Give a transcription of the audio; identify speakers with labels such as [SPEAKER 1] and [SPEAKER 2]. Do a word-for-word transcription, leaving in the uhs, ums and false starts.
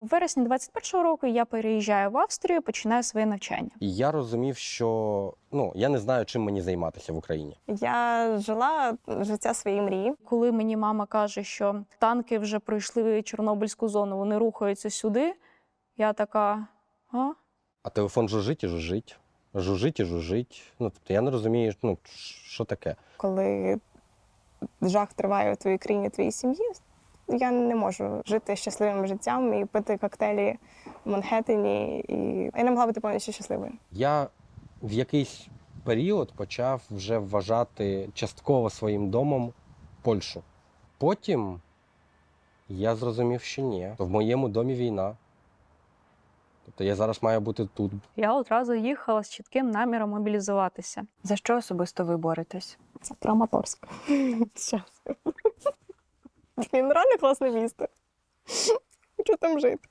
[SPEAKER 1] вересні двадцять першого року я переїжджаю в Австрію, починаю своє навчання.
[SPEAKER 2] І я розумів, що ну, я не знаю, чим мені займатися в Україні.
[SPEAKER 3] Я жила життя своєї мрії.
[SPEAKER 1] Коли мені мама каже, що танки вже пройшли Чорнобильську зону, вони рухаються сюди, я така, а?
[SPEAKER 2] А телефон жужжить і жужжить, жужжить і жужжить. Ну, тобто я не розумію, ну, що таке.
[SPEAKER 3] Коли жах триває у твоїй країні, у твоїй сім'ї, я не можу жити щасливим життям і пити коктейлі в Манхеттені. І я не могла бути повністю щасливою.
[SPEAKER 2] Я в якийсь період почав вже вважати частково своїм домом Польщу. Потім я зрозумів, що ні. В моєму домі війна. Тобто я зараз маю бути тут.
[SPEAKER 1] Я одразу їхала з чітким наміром мобілізуватися.
[SPEAKER 4] За що особисто ви боретесь?
[SPEAKER 3] Це Краматорськ. Щас. Він реально класне місто. Хочу там жити.